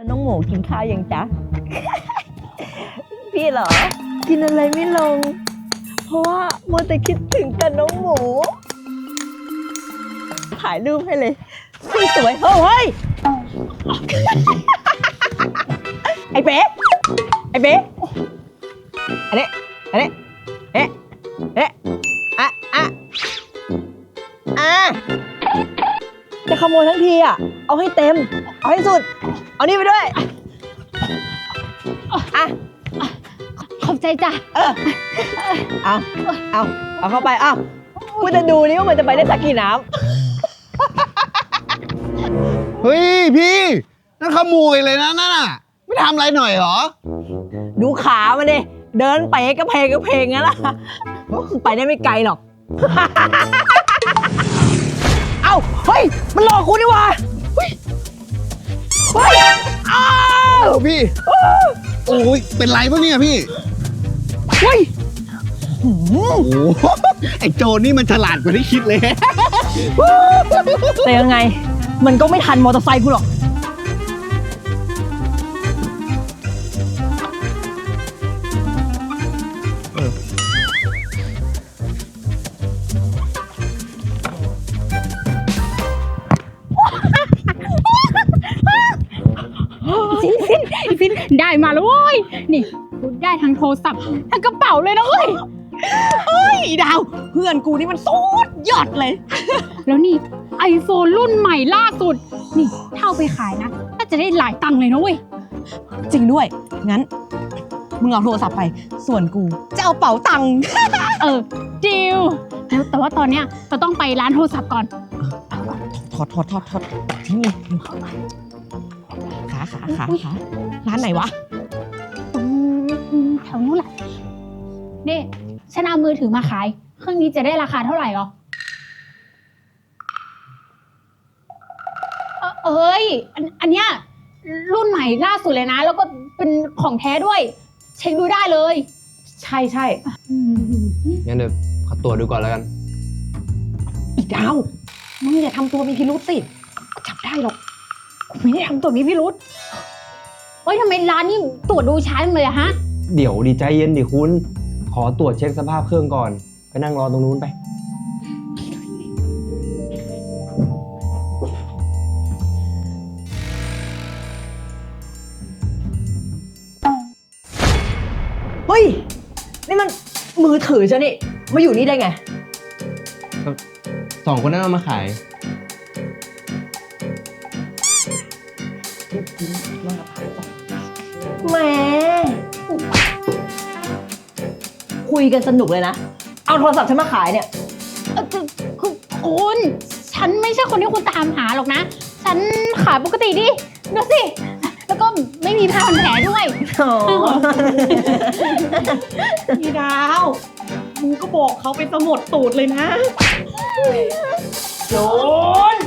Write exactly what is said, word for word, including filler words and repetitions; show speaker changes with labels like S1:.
S1: น้องหมูกินข้าวยังจ๊ะ พี่เหรอ กินอะไรไม่ลง เพราะว่ามัวแต่คิดถึงแต่น้องหมู ถ่ายรูปให้เลยสวยๆเฮ้ย ไอ้เป๊ะไอ้เป๊ะอันนี้อันนี้เอ๊ะเอ๊ะอ่ะอ่ะอ่ะจะขโมยทั้งทีอ่ะเอาให้เต็มเอาให้สุดเอานี่ไปด้วยอ่ะ
S2: ขอบใจจ้ะ
S1: เออเอาเอาเอาเข้าไปเอากูจะดูนี่ว่ามันจะไปได้สักกี่น้
S3: เฮ้ยพี่นั่นขโมยเลยนะนั่นน่ะไม่ทำอะไรหน่อยเหรอ
S1: ำดูขามันดิเดินเป๋กระเพงกระเพงงั้นล่ะไปได้ไม่ไกลหรอก เอ้าเฮ้ยมันหลอกกูนี่หว่าเฮ้ยเฮ้ยอ้าว
S3: โอ้พี่โอ้ยเป็นไรปะเนี่ยพี่
S1: เฮ้ย
S3: โอ้โหไอ้โจรนี่มันฉลาดกว่าที่คิดเลย
S1: แต่ยังไงมันก็ไม่ทันมอเตอร์ไซค์กูหรอก
S2: ฟินฟินฟินได้มาแล้วเว้ยนี่กูได้ทั้งโทรศัพท์ทั้งกระเป๋าเลยนะเว้ย
S1: เฮ้ยดาวเพื่อนกูนี่มันสุดยอดเลย
S2: แล้วนี่ไอโฟนรุ่นใหม่ล่าสุดนี่ถ้าเอาไปขายนะน่าจะได้หลายตังค์เลยนะเว้ย
S1: จริงด้วย งั้น มึงเอาโทรศัพท์ไป ส่วนกู จะเอาเป๋าตังค์
S2: เออจิวแล้วแต่ว่าตอนเนี้ยเราต้องไปร้านโทรศัพท์ก่อน
S1: ถอดถอดถอดถอดที่นี่ขาขาขาขาร้านไหนวะ
S2: อืมแถวนู้นแหละนี่ฉันเอามือถือมาขายเครื่องนี้จะได้ราคาเท่าไหร่หรอเอ่อเอ้ยอันอันเนี้ยรุ่นใหม่ล่าสุดเลยนะ แล้วก็เป็นของแท้ด้วย เช็คดูได้เลย
S1: ใช่ใช่
S2: อืม
S4: งั้นเดี๋ยวขอตรวจดูก่อนแล้วกัน
S1: อีดาว มึงอย่าทำตัวมีพิรุษสิจับได้หรอกกูไม่ได้ทำตัวมีพิรุษ
S2: เฮ้ยทำไมร้านนี้ตรวจดูช้าจังเลยอะฮะ
S4: เดี๋ยวดีใจเย็นดิคุณ ขอตรวจเช็คสภาพเครื่องก่อน ไปนั่งรอตรงนู้นไป
S1: เฮ้ย นี่มันมือถือฉันนี่ มาอยู่นี่ได้ไง
S4: สองคนนั้นเอามาขาย
S1: แหมคุยกันสนุกเลยนะ เอาโทรศัพท์ฉันมาขายเนี่ย
S2: เอ่อคือคือคุณ ฉันไม่ใช่คนที่คุณตามหาหรอกนะ ฉันขายปกติดิดูสิ แล้วก็ไม่มีผ้าพันแผลด้วย
S5: พี่ดาวมึงก็บอกเขาไปสมดตูดเลยนะ
S1: โจน